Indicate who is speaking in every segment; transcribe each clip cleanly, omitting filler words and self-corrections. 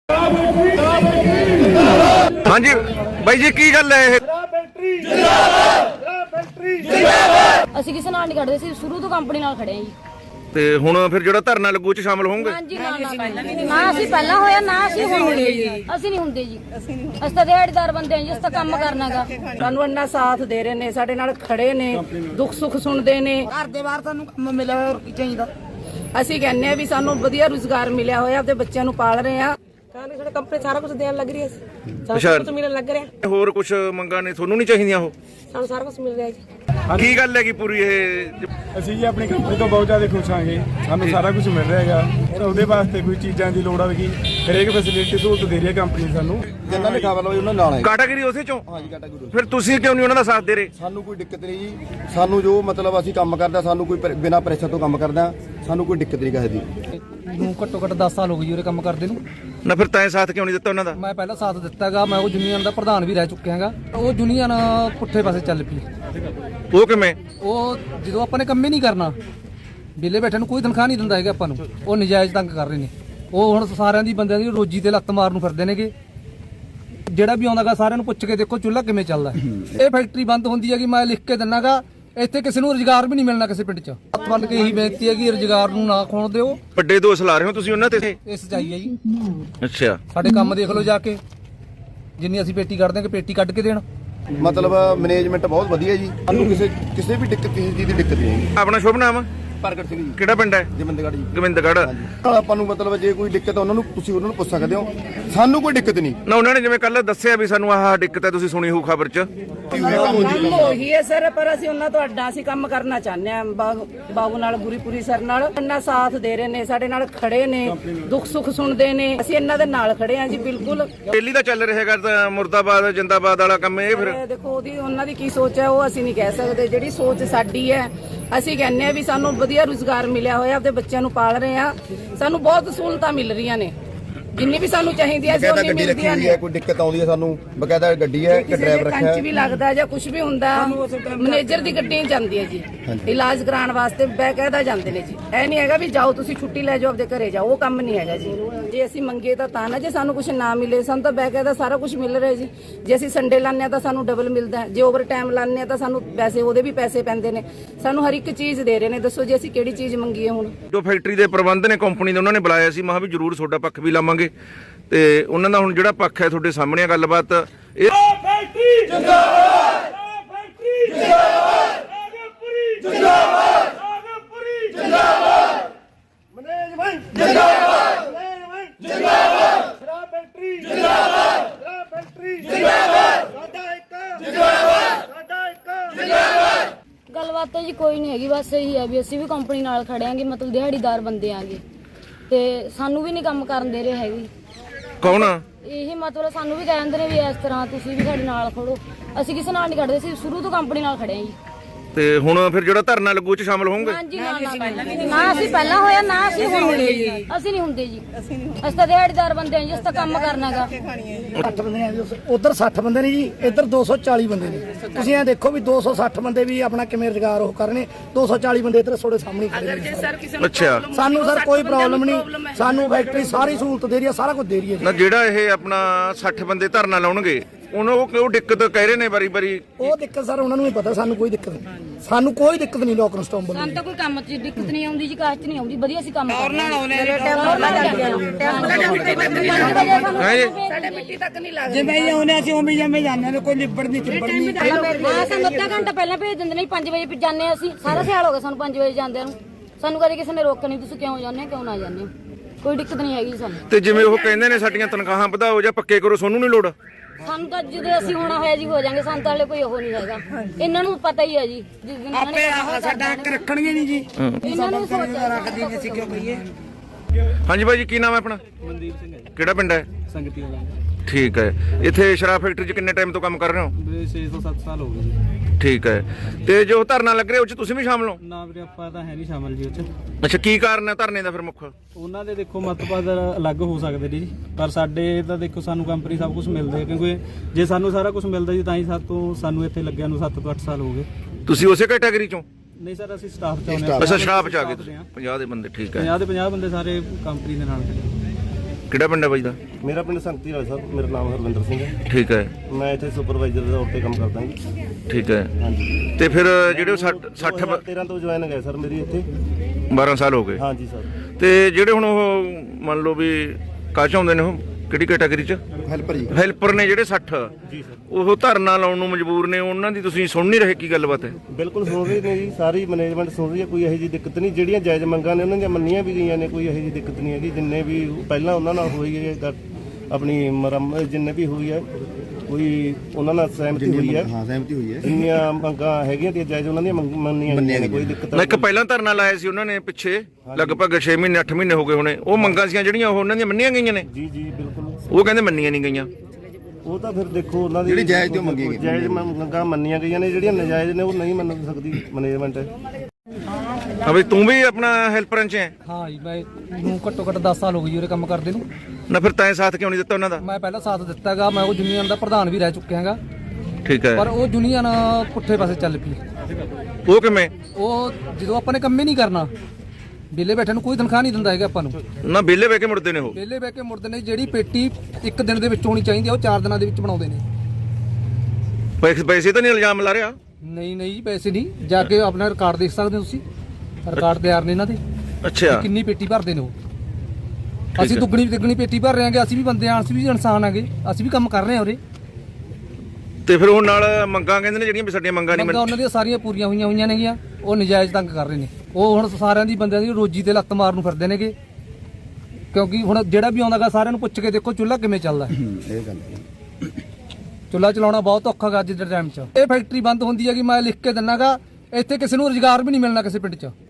Speaker 1: हाँ जी बाई जी की गल है
Speaker 2: ਅਸੀਂ ਕਿਸੇ ਨਾਲ ਨਹੀਂ ਖੜਦੇ ਸੀ ਸ਼ੁਰੂ ਤੋਂ ਕੰਪਨੀ ਨਾਲ ਖੜੇ ਆਂ ਜੀ
Speaker 1: ਤੇ ਹੁਣ ਫਿਰ ਜਿਹੜਾ ਧਰਨਾ ਲੱਗੂ ਚ ਸ਼ਾਮਲ ਹੋਵੋਗੇ?
Speaker 2: ਹਾਂਜੀ ਨਾ ਅਸੀਂ ਪਹਿਲਾਂ ਹੋਇਆ ਨਾ ਅਸੀਂ ਹੋਵਾਂਗੇ ਜੀ। ਅਸੀਂ ਨਹੀਂ ਹੁੰਦੇ ਜੀ। ਅਸੀਂ ਤਾਂ ਦਿਹਾੜੀਦਾਰ ਬੰਦੇ ਆਂ ਜੀ। ਅਸੀਂ ਤਾਂ ਕੰਮ ਕਰਨਾਗਾ।
Speaker 3: ਸਾਨੂੰ ਇੰਨਾ ਸਾਥ ਦੇ ਰਹੇ ਨੇ, ਸਾਡੇ ਨਾਲ ਖੜੇ ਨੇ, ਦੁੱਖ ਸੁੱਖ ਸੁਣਦੇ ਨੇ।
Speaker 4: ਘਰ ਦੇ ਬਾਹਰ ਸਾਨੂੰ ਕੰਮ ਮਿਲਿਆ ਹੋਰ ਕੀ ਚਾਹੀਦਾ।
Speaker 3: ਅਸੀਂ ਕਹਿੰਦੇ ਆ ਵੀ ਸਾਨੂੰ ਵਧੀਆ ਰੁਜ਼ਗਾਰ ਮਿਲਿਆ ਹੋਇਆ, ਆਪਣੇ ਬੱਚਿਆਂ ਨੂੰ ਪਾਲ ਰਹੇ ਆ।
Speaker 4: ਸਾਡੇ ਕੰਪਨੀ ਸਾਰਾ ਕੁਝ ਦੇਣ ਲੱਗ ਰਹੀ ਹੈ।
Speaker 1: ਅੱਛਾ
Speaker 4: ਕੁਝ ਮਿਲਣ ਲੱਗ ਰਿਹਾ।
Speaker 1: ਹੋਰ ਕੁਝ ਮੰਗਾਂ ਨੇ ਤੁਹਾਨੂੰ ਨਹੀਂ ਚਾਹੀਦੀਆਂ? ਉਹ
Speaker 4: ਸਾਨੂੰ ਸਾਰਾ ਕੁਝ ਮਿਲ ਰਿਹਾ ਜੀ।
Speaker 1: ਕੀ ਗੱਲ ਹੈਗੀ ਪੂਰੀ ਇਹ?
Speaker 5: ਅਸੀਂ ਜੀ ਆਪਣੀ ਕੰਪਨੀ ਤੋਂ ਬਹੁਤ ਜ਼ਿਆਦਾ ਖੁਸ਼ ਹਾਂਗੇ। ਸਾਨੂੰ ਸਾਰਾ ਕੁਝ ਮਿਲ ਰਿਹਾ ਹੈਗਾ ਤੇ ਉਹਦੇ ਵਾਸਤੇ ਕੋਈ ਚੀਜ਼ਾਂ ਦੀ ਲੋੜ ਆਵੇਗੀ ਹਰੇਕ ਫੈਸਿਲਿਟੀ ਸਹੂਲਤ ਦੇ ਰਹੀ ਹੈ ਕੰਪਨੀ ਸਾਨੂੰ।
Speaker 6: ਜਿੰਨਾਂ ਨੇ ਖਬਰ ਲਈ ਉਹਨਾਂ ਨਾਲ ਹੈ
Speaker 1: ਕੈਟਾਗਰੀ ਉਸੇ ਚੋਂ?
Speaker 6: ਹਾਂਜੀ ਕੈਟਾਗਰੀ।
Speaker 1: ਫਿਰ ਤੁਸੀਂ ਕਿਉਂ ਨਹੀਂ ਉਹਨਾਂ ਦਾ ਸਾਥ ਦੇ ਰਹੇ?
Speaker 6: ਸਾਨੂੰ ਕੋਈ ਦਿੱਕਤ ਨਹੀਂ ਜੀ। ਸਾਨੂੰ ਜੋ ਮਤਲਬ ਅਸੀਂ ਕੰਮ ਕਰਦਾ ਸਾਨੂੰ ਕੋਈ ਬਿਨਾਂ ਪ੍ਰੈਸ਼ਰ ਤੋਂ ਕੰਮ ਕਰਦਾ, ਸਾਨੂੰ ਕੋਈ ਦਿੱਕਤ ਨਹੀਂ ਕਿਸੇ ਦੀ।
Speaker 7: ਨੂੰ ਘੱਟੋ ਘੱਟ 10 ਸਾਲ ਹੋ ਗਏ ਜੀ ਉਰੇ ਕੰਮ ਕਰਦੇ ਨੂੰ।
Speaker 1: ਨਾ ਫਿਰ ਤੈਂ ਸਾਥ ਕਿਉਂ ਨਹੀਂ ਦਿੱਤਾ ਉਹਨਾਂ ਦਾ?
Speaker 7: ਮੈਂ ਪਹਿਲਾਂ ਸਾਥ ਦਿੱਤਾਗਾ। ਮੈਂ ਉਹ ਯੂਨੀਅਨ ਦਾ ਪ੍ਰਧਾਨ ਵੀ ਰਹਿ ਚੁੱਕਿਆ ਹੈਗਾ। ਉਹ ਯੂਨੀਅਨ ਪੁੱਠੇ ਪਾਸੇ ਚੱਲ ਪਈ।
Speaker 1: ਉਹ ਕਿਵੇਂ?
Speaker 7: ਉਹ ਜਦੋਂ ਆਪਾਂ ਨੇ ਕੰਮ ਹੀ ਨਹੀਂ ਕਰਨਾ, ਵਿਹਲੇ ਬੈਠੇ ਨੂੰ ਕੋਈ ਤਨਖਾਹ ਨਹੀਂ ਦਿੰਦਾ ਹੈਗਾ ਆਪਾਂ ਨੂੰ। ਉਹ ਨਜਾਇਜ਼ ਤੰਗ ਕਰ ਰਹੇ ਨੇ। ਉਹ ਹੁਣ ਸਾਰਿਆਂ ਦੀ ਬੰਦਿਆਂ ਦੀ ਰੋਜੀ ਤੇ ਲੱਤ ਮਾਰਨ ਨੂੰ ਫਿਰਦੇ ਨੇਗੇ। ਜਿਹੜਾ ਵੀ ਆਉਂਦਾਗਾ ਸਾਰਿਆਂ ਨੂੰ ਪੁੱਛ ਕੇ ਦੇਖੋ ਚੁੱਲ੍ਹਾ ਕਿਵੇਂ ਚੱਲਦਾ। ਇਹ ਫੈਕਟਰੀ ਬੰਦ ਹੁੰਦੀ ਹੈਗੀ, ਮੈਂ ਲਿਖ ਕੇ ਦਿੰਨਾਗਾ। ਇੱਥੇ ਕਿਸੇ ਨੂੰ ਰੁਜ਼ਗਾਰ ਵੀ ਨਹੀਂ ਮਿਲਣਾ ਕਿਸੇ ਪਿੰਡ 'ਚ। ਹੱਥ ਬੰਨ ਕੇ ਇਹੀ ਬੇਨਤੀ ਹੈ ਕਿ ਰੁਜ਼ਗਾਰ ਨੂੰ ਨਾ ਖੋਣ ਦਿਓ।
Speaker 1: ਵੱਡੇ ਦੋਸ਼ ਲਾ ਰਹੇ ਹੋ ਤੁਸੀਂ ਉਹਨਾਂ ਤੇ?
Speaker 7: ਇਹ ਸੱਚਾਈ ਹੈ ਜੀ।
Speaker 1: ਅੱਛਾ
Speaker 7: ਸਾਡੇ ਕੰਮ ਦੇਖ ਲਓ ਜਾ ਕੇ, ਜਿੰਨੀ ਅਸੀਂ ਪੇਟੀ ਕੱਢਦੇ ਕਿ ਪੇਟੀ ਕੱਢ ਕੇ ਦੇਣ।
Speaker 6: ਮਤਲਬ ਮੈਨੇਜਮੈਂਟ ਬਹੁਤ ਵਧੀਆ ਜੀ। ਸਾਨੂੰ ਕਿਸੇ ਵੀ ਦਿੱਕਤ ਕਿਸੇ ਚੀਜ਼ ਦੀ ਦਿੱਕਤ ਨਹੀਂ ਹੈ।
Speaker 1: ਆਪਣਾ ਸ਼ੁਭ ਨਾਮ?
Speaker 6: ਪ੍ਰਗਟ ਸਿੰਘ ਜੀ।
Speaker 1: ਕਿਹੜਾ ਪਿੰਡ ਹੈ?
Speaker 6: ਗੋਬਿੰਦਗੜ੍ਹ ਜੀ।
Speaker 1: ਗੋਬਿੰਦਗੜ੍ਹ।
Speaker 6: ਆਪਾਂ ਨੂੰ ਮਤਲਬ ਜੇ ਕੋਈ ਦਿੱਕਤ ਉਹਨਾਂ ਨੂੰ ਤੁਸੀਂ ਉਹਨਾਂ ਨੂੰ ਪੁੱਛ ਸਕਦੇ ਹੋ, ਸਾਨੂੰ ਕੋਈ ਦਿੱਕਤ ਨਹੀਂ।
Speaker 1: ਨਾ ਉਹਨਾਂ ਨੇ ਜਿਵੇਂ ਕੱਲ ਦੱਸਿਆ ਵੀ ਸਾਨੂੰ ਆਹ ਦਿੱਕਤ ਹੈ, ਤੁਸੀਂ ਸੁਣੀ ਹੋਊ ਖਬਰ 'ਚ।
Speaker 3: ਕੰਮ ਉਹੀ ਹੈ ਸਰ, ਪਰ ਅਸੀਂ ਉਹਨਾਂ ਤੋਂ ਅੱਡਾ ਅਸੀਂ ਕੰਮ ਕਰਨਾ ਚਾਹੁੰਦੇ ਆ। ਬਾਬੂ ਨਾਲ ਗੁਰੀਪੁਰੀ ਸਰ ਨਾਲ ਇੰਨਾ ਸਾਥ ਦੇ ਰਹੇ ਨੇ, ਸਾਡੇ ਨਾਲ ਖੜੇ ਨੇ, ਦੁੱਖ ਸੁੱਖ ਸੁਣਦੇ ਨੇ। ਅਸੀਂ ਇਹਨਾਂ ਦੇ ਨਾਲ ਖੜੇ ਆ ਜੀ ਬਿਲਕੁਲ।
Speaker 1: ਦਿੱਲੀ ਦਾ ਚੱਲ ਰਿਹਾ ਹੈਗਾ ਤਾਂ ਮੁਰਦਾਬਾਦ ਜਿੰਦਾਬਾਦ ਵਾਲਾ ਕੰਮ ਇਹ ਫਿਰ
Speaker 3: ਦੇਖੋ ਉਹਦੀ ਉਹਨਾਂ ਦੀ ਕੀ ਸੋਚ ਹੈ ਉਹ ਅਸੀਂ ਨਹੀਂ ਕਹਿ ਸਕਦੇ। ਜਿਹੜੀ ਸੋਚ ਸਾਡੀ ਹੈ, ਅਸੀਂ ਕਹਿੰਦੇ ਆ ਵੀ ਸਾਨੂੰ ਵਧੀਆ ਰੁਜ਼ਗਾਰ ਮਿਲਿਆ ਹੋਇਆ, ਆਪਣੇ ਬੱਚਿਆਂ ਨੂੰ ਪਾਲ ਰਹੇ ਆ। ਸਾਨੂੰ ਬਹੁਤ ਸਹੂਲਤਾਂ ਮਿਲ ਰਹੀਆਂ ਨੇ, ਜਿੰਨੀ ਵੀ ਸਾਨੂੰ ਚਾਹੀਦੀ ਹੈ
Speaker 6: ਬਕਾਇਦਾ ਗੱਡੀ ਰੱਖੀ ਹੋਈ ਹੈ, ਕੋਈ ਦਿੱਕਤ ਆਉਂਦੀ ਹੈ ਸਾਨੂੰ ਬਕਾਇਦਾ ਗੱਡੀ ਹੈ, ਇੱਕ ਡਰਾਈਵਰ ਰੱਖਿਆ ਹੈ।
Speaker 3: ਕੰਚ ਵੀ ਲੱਗਦਾ ਜਾਂ ਕੁਝ ਵੀ ਹੁੰਦਾ, ਮੈਨੇਜਰ ਦੀ ਗੱਡੀ ਜਾਂਦੀ ਹੈ ਜੀ ਇਲਾਜ ਕਰਾਉਣ ਵਾਸਤੇ। ਬਕਾਇਦਾ ਜਾਂਦੇ ਨੇ ਜੀ। ਇਹ ਨਹੀਂ ਹੈਗਾ ਵੀ ਜਾਓ ਤੁਸੀਂ ਛੁੱਟੀ ਲੈ ਜਾਓ ਆਪਦੇ ਘਰੇ ਜਾਓ, ਉਹ ਕੰਮ ਨਹੀਂ ਹੈਗਾ ਜੀ। ਜੇ ਅਸੀਂ ਮੰਗੇ ਤਾਂ ਨਾ, ਜੇ ਸਾਨੂੰ ਕੁਝ ਨਾ ਮਿਲੇ ਸਾਨੂੰ ਤਾਂ ਬਕਾਇਦਾ ਸਾਰਾ ਕੁਝ ਮਿਲ ਰਿਹਾ ਜੀ। ਜੇ ਅਸੀਂ ਸੰਡੇ ਲਾਉਂਦੇ ਆ ਤਾਂ ਸਾਨੂੰ ਡਬਲ ਮਿਲਦਾ, ਜੇ ਓਵਰ ਟਾਈਮ ਲਾਉਂਦੇ ਆ ਤਾਂ ਸਾਨੂੰ ਪੈਸੇ ਉਹਦੇ ਵੀ ਪੈਸੇ ਪੈਂਦੇ ਨੇ। ਸਾਨੂੰ ਹਰ ਇੱਕ ਚੀਜ਼ ਦੇ ਰਹੇ ਨੇ। ਦੱਸੋ ਜੀ ਅਸੀਂ ਕਿਹੜੀ ਚੀਜ਼ ਮੰਗੀਏ ਹੁਣ? ਜੋ
Speaker 1: ਫੈਕਟਰੀ ਦੇ ਪ੍ਰਬੰਧ ਨੇ ਕੰਪਨੀ ਦੇ, ਉਹਨਾਂ ਨੇ ਬੁਲਾਇਆ ਸੀ। ਮੈਂ ਕਿਹਾ ਵੀ ਜ਼ਰੂਰ ਤੁਹਾਡਾ ਪੱਖ ਵੀ ਲਾਵਾਂਗੇ ਤੇ ਉਹਨਾਂ ਦਾ ਹੁਣ ਜਿਹੜਾ ਪੱਖ ਹੈ ਤੁਹਾਡੇ ਸਾਹਮਣੇ ਗੱਲਬਾਤ। ਇਹ ਫੈਕਟਰੀ ਜਿੰਦਾਬਾਦ, ਫੈਕਟਰੀ ਜਿੰਦਾਬਾਦ, ਆਗੇਪੁਰੀ ਜਿੰਦਾਬਾਦ, ਆਗੇਪੁਰੀ ਜਿੰਦਾਬਾਦ, ਮੈਨੇਜਮੈਂਟ ਜਿੰਦਾਬਾਦ, ਮੈਨੇਜਮੈਂਟ ਜਿੰਦਾਬਾਦ, ਸ਼ਰਾਬ ਫੈਕਟਰੀ ਜਿੰਦਾਬਾਦ, ਸ਼ਰਾਬ ਫੈਕਟਰੀ ਜਿੰਦਾਬਾਦ, ਸਾਡਾ ਇੱਕ ਜਿੰਦਾਬਾਦ, ਸਾਡਾ ਇੱਕ ਜਿੰਦਾਬਾਦ।
Speaker 2: ਗੱਲਬਾਤ ਤਾਂ ਜੀ ਕੋਈ ਨਹੀਂ ਹੈਗੀ। ਬਸ ਇਹੀ ਹੈ ਵੀ ਅਸੀਂ ਵੀ ਕੰਪਨੀ ਨਾਲ ਖੜੇ ਆਂਗੇ, ਮਤਲਬ ਦਿਹਾੜੀਦਾਰ ਬੰਦੇ ਆਂਗੇ ਤੇ ਸਾਨੂੰ ਵੀ ਨਹੀਂ ਕੰਮ ਕਰਨ ਦੇ ਰਹੇ ਹੈਗੇ।
Speaker 1: ਕੌਣ?
Speaker 2: ਇਹੀ ਮਤਲਬ ਸਾਨੂੰ ਵੀ ਕਹਿੰਦੇ ਨੇ ਵੀ ਇਸ ਤਰ੍ਹਾਂ ਤੁਸੀਂ ਵੀ ਸਾਡੇ ਨਾਲ ਖੜੋ। ਅਸੀਂ ਕਿਸੇ ਨਾਲ ਨਹੀਂ ਖੜਦੇ ਸੀ ਸ਼ੁਰੂ ਤੋਂ ਕੰਪਨੀ ਨਾਲ ਖੜੇ ਆਂ ਜੀ।
Speaker 1: ਤੇ ਹੁਣ ਫਿਰ ਜਿਹੜਾ ਧਰਨਾ ਲੱਗੂ ਚ ਸ਼ਾਮਲ ਹੋਵੋਗੇ?
Speaker 2: ਹਾਂਜੀ ਨਾ ਅਸੀਂ ਪਹਿਲਾਂ ਹੋਇਆ ਨਾ ਅਸੀਂ ਹੋਵਾਂਗੇ ਜੀ। ਅਸੀਂ ਨਹੀਂ ਹੁੰਦੇ ਜੀ। ਅਸੀਂ ਤਾਂ ਦਿਹਾੜੀਦਾਰ ਬੰਦੇ ਆਂ ਜੀ। ਅਸੀਂ ਤਾਂ ਕੰਮ ਕਰਨਾਗਾ।
Speaker 8: 60 ਬੰਦੇ ਨੇ ਉਧਰ 60 ਬੰਦੇ ਨੇ ਜੀ, ਇੱਧਰ 240 ਬੰਦੇ ਨੇ। ਤੁਸੀਂ ਇਹ ਦੇਖੋ ਵੀ 260 ਬੰਦੇ ਵੀ ਆਪਣਾ ਕਿਵੇਂ ਰੁਜ਼ਗਾਰ ਉਹ ਕਰਨੇ। 240 ਬੰਦੇ ਇੱਧਰ ਤੁਹਾਡੇ ਸਾਹਮਣੇ ਖੜੇ ਨੇ।
Speaker 1: ਅੱਛਾ
Speaker 8: ਸਾਨੂੰ ਸਰ ਕੋਈ ਪ੍ਰੋਬਲਮ ਨਹੀਂ। ਸਾਨੂੰ ਫੈਕਟਰੀ ਸਾਰੀ ਸਹੂਲਤ ਦੇ ਰਹੀ ਹੈ, ਸਾਰਾ ਕੁਝ ਦੇ ਰਹੀ ਹੈ।
Speaker 1: ਨਾ ਜਿਹੜਾ ਇਹ ਆਪਣਾ 60 ਬੰਦੇ ਧਰਨਾ ਲਾਉਣਗੇ ਉਹ ਦਿੱਕਤ ਕਹਿ ਰਹੇ ਨੇ ਵਾਰੀ ਵਾਰੀ।
Speaker 8: ਉਹ ਦਿੱਕਤ ਸਰ ਉਹਨਾਂ ਨੂੰ ਹੀ ਪਤਾ, ਸਾਨੂੰ ਕੋਈ ਦਿੱਕਤ ਨਹੀਂ। ਸਾਨੂੰ ਕੋਈ ਦਿੱਕਤ ਨਹੀਂ ਲੋਕਲ ਸਟੋਮ ਵੱਲੋਂ।
Speaker 2: ਸਾਨੂੰ ਤਾਂ ਕੋਈ ਕੰਮ 'ਚ ਦਿੱਕਤ ਨਹੀਂ ਆਉਂਦੀ ਜੀ, ਕਾਸਟ ਨਹੀਂ ਆਉਂਦੀ। ਵਧੀਆ ਅਸੀਂ ਕੰਮ ਕਰਦੇ
Speaker 3: ਸਾਡੇ ਮਿੱਟੀ ਤੱਕ ਨਹੀਂ ਲੱਗਦੀ।
Speaker 4: ਜਿਵੇਂ ਹੀ ਆਉਨੇ ਅਸੀਂ ਉਵੇਂ ਜਿਵੇਂ ਜਾਂਦੇ ਨੇ, ਕੋਈ ਲਿਬੜ ਨਹੀਂ ਚਿਬੜ ਨਹੀਂ।
Speaker 2: ਹਾਂ ਸਾਨੂੰ ਅੱਧਾ ਘੰਟਾ ਪਹਿਲਾਂ ਭੇਜ ਦਿੰਦੇ ਨੇ। 5 ਵਜੇ ਜਾਂਦੇ ਹਾਂ ਅਸੀਂ। ਸਾਰਾ ਸਿਆਲ ਹੋ ਗਿਆ ਸਾਨੂੰ 5 ਵਜੇ ਜਾਂਦੇ ਨੂੰ। ਸਾਨੂੰ ਕਦੇ ਕਿਸੇ ਨੇ ਰੋਕਿਆ ਨਹੀਂ ਤੁਸੀਂ ਕਿਉਂ ਜਾਂਦੇ ਕਿਉਂ ਨਾ ਜਾਂਦੇ। ਕੋਈ ਦਿੱਕਤ ਨਹੀਂ ਹੈਗੀ ਸਾਨੂੰ।
Speaker 1: ਤੇ ਜਿਵੇਂ ਉਹ ਕਹਿੰਦੇ ਨੇ ਸਾਡੀਆਂ ਤਨਖਾਹਾਂ ਵਧਾਓ ਜਾਂ ਪੱਕੇ ਕਰੋ, ਤੁਹਾਨੂੰ ਨਹੀਂ ਲੋੜ?
Speaker 2: ਸਾਨੂੰ ਤਾਂ ਜਦੋਂ ਅਸੀਂ ਹੋਣਾ ਹੋਇਆ ਜੀ ਹੋ ਜਾਾਂਗੇ। ਸਾਨੂੰ ਤਾਂ ਹਲੇ ਕੋਈ ਉਹ ਨਹੀਂ ਹੈਗਾ। ਇਹਨਾਂ ਨੂੰ ਪਤਾ ਹੀ ਹੈ ਜੀ। ਜਿਸ ਦਿਨ
Speaker 4: ਆਪੇ ਸਾਡਾ ਹੱਕ ਰੱਖਣਗੇ ਨਹੀਂ ਜੀ।
Speaker 2: ਇਹਨਾਂ ਨੂੰ
Speaker 4: ਰੱਖਦੀ ਨਹੀਂ ਅਸੀਂ ਕਿਉਂ ਕਹੀਏ।
Speaker 1: ਹਾਂਜੀ ਭਾਈ ਜੀ ਕੀ ਨਾਮ ਹੈ ਆਪਣਾ?
Speaker 7: ਮਨਦੀਪ ਸਿੰਘ ਹੈ।
Speaker 1: ਕਿਹੜਾ ਪਿੰਡ ਹੈ?
Speaker 7: ਸੰਗਤੀ ਵਾਲਾ।
Speaker 1: ਠੀਕ ਹੈ। ਇੱਥੇ ਸ਼ਰਾਬ ਫੈਕਟਰੀ 'ਚ ਕਿੰਨੇ ਟਾਈਮ ਤੋਂ ਕੰਮ ਕਰ ਰਹੇ ਹੋ?
Speaker 7: ਵੀਰੇ 6 ਤੋਂ 7 ਸਾਲ ਹੋ ਗਏ ਜੀ।
Speaker 1: ਠੀਕ ਹੈ। ਤੇ ਜੋ ਧਰਨਾ ਲੱਗ ਰਿਹਾ ਉਹ 'ਚ ਤੁਸੀਂ ਵੀ ਸ਼ਾਮਲ ਹੋ?
Speaker 7: ਨਾ ਵੀਰੇ ਆਪਾਂ ਤਾਂ ਹੈ ਨਹੀਂ ਸ਼ਾਮਲ ਜੀ ਉਹ 'ਚ।
Speaker 1: ਅੱਛਾ ਕੀ ਕਾਰਨ ਹੈ ਧਰਨੇ ਦਾ ਫਿਰ ਮੁੱਖ?
Speaker 7: ਉਹਨਾਂ ਦੇ ਦੇਖੋ ਮਤਭੇਦ ਅਲੱਗ ਹੋ ਸਕਦੇ ਨੇ ਜੀ, ਪਰ ਸਾਡੇ ਤਾਂ ਦੇਖੋ ਸਾਨੂੰ ਕੰਪਨੀ ਸਭ ਕੁਝ ਮਿਲਦਾ ਹੈ। ਕਿਉਂਕਿ ਜੇ ਸਾਨੂੰ ਸਾਰਾ ਕੁਝ ਮਿਲਦਾ ਜੀ ਤਾਂ ਹੀ ਸਾਨੂੰ ਇੱਥੇ ਲੱਗਿਆ ਨੂੰ 7 ਤੋਂ 8 ਸਾਲ ਹੋ ਗਏ।
Speaker 1: ਤੁਸੀਂ ਉਸੇ ਕੈਟਾਗਰੀ 'ਚੋਂ?
Speaker 7: ਨਹੀਂ ਸਰ ਅਸੀਂ ਸਟਾਫ ਚ ਆਉਂਦੇ ਹਾਂ।
Speaker 1: ਅੱਛਾ ਸ਼ਰਾਬ 'ਚ ਆ ਗਏ ਤੁਸੀਂ? 50 ਦੇ ਬੰਦੇ। ਠੀਕ ਹੈ।
Speaker 7: 50 ਦੇ 50 ਬੰਦੇ ਸਾਰੇ ਕੰਪਨੀ ਦੇ ਨਾਲ ਖੜੇ।
Speaker 1: ਕਿਹੜਾ ਪਿੰਡ ਹੈ ਬਾਈ ਦਾ?
Speaker 6: ਮੇਰਾ ਪਿੰਡ ਸੰਗਤੀ ਵਾਲਾ ਸਾਹਿਬ, ਮੇਰਾ ਨਾਮ ਹਰਵਿੰਦਰ ਸਿੰਘ ਹੈ।
Speaker 1: ਠੀਕ ਹੈ,
Speaker 6: ਮੈਂ ਇੱਥੇ ਸੁਪਰਵਾਈਜ਼ਰ ਦੇ ਤੌਰ ਤੇ ਕੰਮ ਕਰਦਾ ਜੀ।
Speaker 1: ਠੀਕ ਹੈ।
Speaker 6: ਹਾਂਜੀ।
Speaker 1: ਤੇ ਫਿਰ ਜਿਹੜੇ 60
Speaker 6: 13 ਤੋਂ ਜੁਆਇਨ ਗਏ ਸਰ ਮੇਰੀ ਇੱਥੇ।
Speaker 1: 12 ਸਾਲ ਹੋ ਗਏ।
Speaker 6: ਹਾਂਜੀ ਸਰ।
Speaker 1: ਤੇ ਜਿਹੜੇ ਹੁਣ ਉਹ ਮੰਨ ਲਓ ਵੀ ਕਾਚ ਆਉਂਦੇ ਨੇ, ਉਹ ਕਿਹੜੀ ਕੈਟਾਗਰੀ ਚ?
Speaker 6: ਹੈਲਪਰ ਜੀ।
Speaker 1: ਹੈਲਪਰ ਨੇ ਜਿਹੜੇ 60,
Speaker 6: ਜੀ ਸਰ।
Speaker 1: ਉਹ ਧਰਨਾ ਲਾਉਣ ਨੂੰ ਮਜਬੂਰ ਨੇ, ਉਹਨਾਂ ਦੀ ਤੁਸੀਂ ਸੁਣ ਨਹੀਂ ਰਹੇ, ਕੀ ਗੱਲਬਾਤ ਹੈ?
Speaker 6: ਬਿਲਕੁਲ ਸੁਣ ਰਹੇ ਨੇ ਜੀ, ਸਾਰੀ ਮੈਨੇਜਮੈਂਟ ਸੁਣ ਰਹੀ ਹੈ, ਕੋਈ ਇਹੋ ਜਿਹੀ ਦਿੱਕਤ ਨਹੀਂ। ਜਿਹੜੀਆਂ ਜਾਇਜ਼ ਮੰਗਾਂ ਨੇ ਉਹਨਾਂ ਦੀਆਂ ਮੰਨੀਆਂ ਵੀ ਗਈਆਂ ਨੇ, ਕੋਈ ਇਹੋ ਜਿਹੀ ਦਿੱਕਤ ਨਹੀਂ ਹੈਗੀ। ਜਿੰਨੇ ਵੀ ਪਹਿਲਾਂ ਉਹਨਾਂ ਨਾਲ ਹੋਈ ਹੈ ਆਪਣੀ ਮੁਰੰਮਤ, ਜਿੰਨੇ ਵੀ ਹੋਈ ਹੈ, ਕੋਈ ਉਹਨਾਂ ਨਾਲ ਸਹਿਮਤੀ ਹੋਈ ਹੈ।
Speaker 9: ਹਾਂ, ਸਹਿਮਤੀ ਹੋਈ ਹੈ।
Speaker 6: ਇੰਨੀਆਂ ਮੰਗਾਂ ਹੈਗੀਆਂ ਤੇ ਜਾਇਜ਼ ਉਹਨਾਂ ਦੀਆਂ ਮੰਨੀਆਂ ਗਈਆਂ ਨੇ, ਕੋਈ ਦਿੱਕਤ
Speaker 1: ਮੈਂ ਇੱਕ ਪਹਿਲਾਂ ਧਰਨਾ ਲਾਇਆ ਸੀ ਉਹਨਾਂ ਨੇ ਪਿੱਛੇ, ਲਗਭਗ 6 ਮਹੀਨੇ 8 ਮਹੀਨੇ ਹੋ ਗਏ ਹੋਣੇ। ਉਹ ਮੰਗਾਂ ਸੀਆਂ ਜਿਹੜੀਆਂ ਉਹ ਉਹਨਾਂ ਦੀਆਂ ਮੰਨੀਆਂ ਗਈਆਂ ਨੇ?
Speaker 6: ਜੀ ਜੀ ਬਿਲਕੁਲ।
Speaker 1: ਉਹ ਕਹਿੰਦੇ ਮੰਨੀਆਂ ਨਹੀਂ ਗਈਆਂ।
Speaker 6: ਉਹ ਤਾਂ ਫਿਰ ਦੇਖੋ ਉਹਨਾਂ ਦੀ
Speaker 9: ਜਿਹੜੀ ਜਾਇਜ਼ ਤੇ ਉਹ ਮੰਗੀ ਗਈ।
Speaker 6: ਜਾਇਜ਼ ਮੰਗਾਂ ਮੰਨੀਆਂ ਗਈਆਂ ਨੇ, ਜਿਹੜੀਆਂ ਨਜਾਇਜ਼ ਨੇ ਉਹ ਨਹੀਂ ਮੰਨ ਸਕਦੀ ਮੈਨੇਜਮੈਂਟ।
Speaker 1: ਹਾਂ ਬਈ, ਤੂੰ ਵੀ ਆਪਣਾ ਹੈਲਪਰਾਂ ਚ ਹੈ?
Speaker 7: ਹਾਂ ਜੀ, ਮੈਨੂੰ ਘੱਟੋ ਘੱਟ 10 ਸਾਲ ਹੋ ਗਏ ਜੀ ਉਰੇ ਕੰਮ ਕਰਦੇ ਨੂੰ।
Speaker 1: ਨਾ ਫਿਰ ਤੈਂ ਸਾਥ ਕਿਉਂ ਨਹੀਂ ਦਿੱਤਾ ਉਹਨਾਂ ਦਾ?
Speaker 7: ਮੈਂ ਪਹਿਲਾਂ ਸਾਥ ਦਿੱਤਾਗਾ, ਮੈਂ ਉਹ ਯੂਨੀਅਨ ਦਾ ਪ੍ਰਧਾਨ ਵੀ ਰਹਿ ਚੁੱਕਿਆ ਹੈਗਾ,
Speaker 1: ਠੀਕ ਹੈ।
Speaker 7: ਪਰ ਉਹ ਯੂਨੀਅਨ ਪੁੱਠੇ ਪਾਸੇ ਚੱਲ ਪਈ।
Speaker 1: ਉਹ ਕਿਵੇਂ?
Speaker 7: ਉਹ ਜਦੋਂ ਆਪਾਂ ਨੇ ਕੰਮ ਹੀ ਨਹੀਂ ਕਰਨਾ, ਵਿਹਲੇ ਬੈਠੇ ਨੂੰ ਕੋਈ ਤਨਖਾਹ ਨਹੀਂ ਦਿੰਦਾ ਹੈਗਾ ਆਪਾਂ ਨੂੰ।
Speaker 1: ਨਾ ਵਿਹਲੇ ਬਹਿ ਕੇ ਮੁੜਦੇ ਨੇ ਉਹ?
Speaker 7: ਵਿਹਲੇ ਬਹਿ ਕੇ ਮੁੜਦੇ ਨੇ। ਜਿਹੜੀ ਪੇਟੀ ਇੱਕ ਦਿਨ ਦੇ ਵਿੱਚ ਹੋਣੀ ਚਾਹੀਦੀ ਆ, ਉਹ 4 ਦਿਨਾਂ ਦੇ ਵਿੱਚ ਬਣਾਉਂਦੇ ਨੇ।
Speaker 1: ਪੈਸੇ ਤਾਂ ਨਹੀਂ ਇਲਜ਼ਾਮ ਲਾ ਰਿਹਾ?
Speaker 7: ਨਹੀਂ ਨਹੀਂ, ਪੈਸੇ ਨਹੀਂ। ਜਾ ਕੇ ਆਪਣਾ ਰਿਕਾਰਡ ਦੇਖ ਸਕਦੇ ਹੋ ਤੁਸੀਂ, ਰਿਕਾਰਡ ਤਿਆਰ ਨੇ ਇਹਨਾਂ ਦੇ।
Speaker 1: ਅੱਛਾ।
Speaker 7: ਕਿੰਨੀ ਪੇਟੀ ਭਰਦੇ ਨੇ ਉਹ। ਅਸੀਂ ਦੁੱਗਣੀ ਪੇਟੀ ਭਰ ਰਹੇ ਹਾਂਗੇ। ਅਸੀਂ ਵੀ ਬੰਦੇ ਆਂ, ਅਸੀਂ ਵੀ ਇਨਸਾਨ ਆਂਗੇ, ਅਸੀਂ ਵੀ ਕੰਮ ਕਰ ਰਹੇ ਹਾਂ ਉਰੇ।
Speaker 1: ਤੇ ਫਿਰ ਉਹ ਨਾਲ ਮੰਗਾਂ ਕਹਿੰਦੇ ਨੇ ਜਿਹੜੀਆਂ ਵੀ ਸਾਡੀਆਂ ਮੰਗਾਂ ਨਹੀਂ
Speaker 7: ਮੰਗਾਂ ਉਹਨਾਂ ਦੀਆਂ ਸਾਰੀਆਂ ਪੂਰੀਆਂ ਹੋਈਆਂ ਨੇਗੀਆਂ। ਉਹ ਨਜਾਇਜ਼ ਤੰਗ ਕਰ ਰਹੇ ਨੇ। ਉਹ ਹੁਣ ਸਾਰਿਆਂ ਦੀ ਬੰਦਿਆਂ ਦੀ ਰੋਜੀ ਤੇ ਲੱਤ ਮਾਰਨ ਨੂੰ ਫਿਰਦੇ ਨੇਗੇ, ਕਿਉਂਕਿ ਹੁਣ ਜਿਹੜਾ ਵੀ ਆਉਂਦਾਗਾ ਸਾਰਿਆਂ ਨੂੰ ਪੁੱਛ ਕੇ ਦੇਖੋ ਚੁੱਲ੍ਹਾ ਕਿਵੇਂ ਚੱਲਦਾ।
Speaker 9: ਇਹ ਗੱਲ ਹੈ।
Speaker 7: ਚੁੱਲ੍ਹਾ ਚਲਾਉਣਾ ਬਹੁਤ ਔਖਾ ਗਾ ਅੱਜ ਦੇ ਟਾਈਮ 'ਚ। ਇਹ ਫੈਕਟਰੀ ਬੰਦ ਹੁੰਦੀ ਹੈਗੀ, ਮੈਂ ਲਿਖ ਕੇ ਦਿੰਨਾਗਾ, ਇੱਥੇ ਕਿਸੇ ਨੂੰ ਰੁਜ਼ਗਾਰ ਵੀ ਨਹੀਂ ਮਿਲਣਾ ਕਿਸੇ ਪਿੰਡ 'ਚ।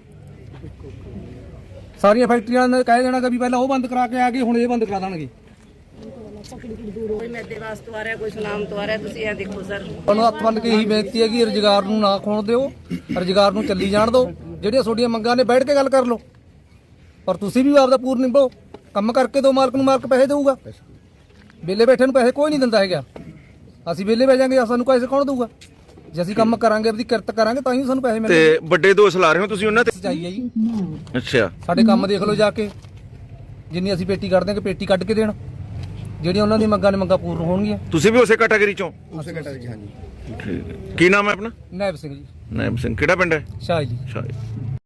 Speaker 7: ਸਾਰੀਆਂ ਫੈਕਟਰੀਆਂ ਨੇ ਕਹਿ ਦੇਣਾ ਕਿ ਵੀ ਪਹਿਲਾਂ ਉਹ ਬੰਦ ਕਰਾ ਕੇ ਆ ਗਏ, ਹੁਣ ਇਹ ਬੰਦ ਕਰਾ ਦੇਣਗੇ।
Speaker 3: ਕੋਈ ਮੈਦੇ ਵਾਸਤੇ ਆ ਰਿਹਾ, ਕੋਈ ਸੁਨਾਮ ਤੋਂ ਆ ਰਿਹਾ। ਤੁਸੀਂ ਇਹ ਦੇਖੋ ਸਰ,
Speaker 7: ਤੁਹਾਨੂੰ ਹੱਥ ਬੰਨ ਕੇ ਇਹੀ ਬੇਨਤੀ ਹੈ ਕਿ ਰੁਜ਼ਗਾਰ ਨੂੰ ਨਾ ਖੋਣ ਦਿਓ, ਰੁਜ਼ਗਾਰ ਨੂੰ ਚੱਲੀ ਜਾਣ ਦਿਓ। ਜਿਹੜੀਆਂ ਤੁਹਾਡੀਆਂ ਮੰਗਾਂ ਨੇ ਬੈਠ ਕੇ ਗੱਲ ਕਰ ਲਓ, ਪਰ ਤੁਸੀਂ ਵੀ ਆਪਦਾ ਪੂਰ ਨਿਭਾਓ। ਕੰਮ ਕਰਕੇ ਦਿਓ, ਮਾਲਕ ਨੂੰ ਮਾਲਕ ਪੈਸੇ ਦੇਊਗਾ। ਵਿਹਲੇ ਬੈਠੇ ਨੂੰ ਪੈਸੇ ਕੋਈ ਨਹੀਂ ਦਿੰਦਾ ਹੈਗਾ। ਅਸੀਂ ਵਿਹਲੇ ਬਹਿ ਜਾਾਂਗੇ, ਸਾਨੂੰ ਪੈਸੇ ਕੌਣ ਦੇਊਗਾ? ਜੇ ਅਸੀਂ ਕੰਮ ਕਰਾਂਗੇ, ਆਪਣੀ ਕਿਰਤ ਕਰਾਂਗੇ, ਤਾਂ ਹੀ ਸਾਨੂੰ ਪੈਸੇ ਮਿਲਣਗੇ।
Speaker 1: ਤੇ ਵੱਡੇ ਦੋਸ਼ ਲਾ ਰਹੇ ਹੋ ਤੁਸੀਂ ਉਹਨਾਂ ਤੇ?
Speaker 7: ਸੱਚਾਈ ਹੈ ਜੀ।
Speaker 1: ਅੱਛਾ।
Speaker 7: ਸਾਡੇ ਕੰਮ ਦੇਖ ਲਓ ਜਾ ਕੇ, ਜਿੰਨੀ ਅਸੀਂ ਪੇਟੀ ਕੱਢ ਦਿਆਂਗੇ, ਪੇਟੀ ਕੱਢ ਕੇ ਦੇਣ। ਜਿਹੜੀਆਂ ਉਹਨਾਂ ਦੀ ਮੰਗਾਂ ਨੇ, ਮੰਗਾਂ ਪੂਰਨ ਹੋਣਗੀਆਂ।
Speaker 1: ਤੁਸੀਂ ਵੀ ਉਸੇ ਕੈਟਾਗਰੀ ਚੋਂ?
Speaker 9: ਉਸੇ ਕੈਟਾਗਰੀ। ਹਾਂਜੀ।
Speaker 1: ਠੀਕ ਹੈ। ਕੀ ਨਾਮ ਹੈ ਆਪਣਾ?
Speaker 7: ਨਾਇਬ ਸਿੰਘ ਜੀ।
Speaker 1: ਨਾਇਬ ਸਿੰਘ। ਕਿਹੜਾ ਪਿੰਡ ਹੈ?
Speaker 7: ਸ਼ਾਹ ਜੀ।
Speaker 1: ਸ਼ਾਹ।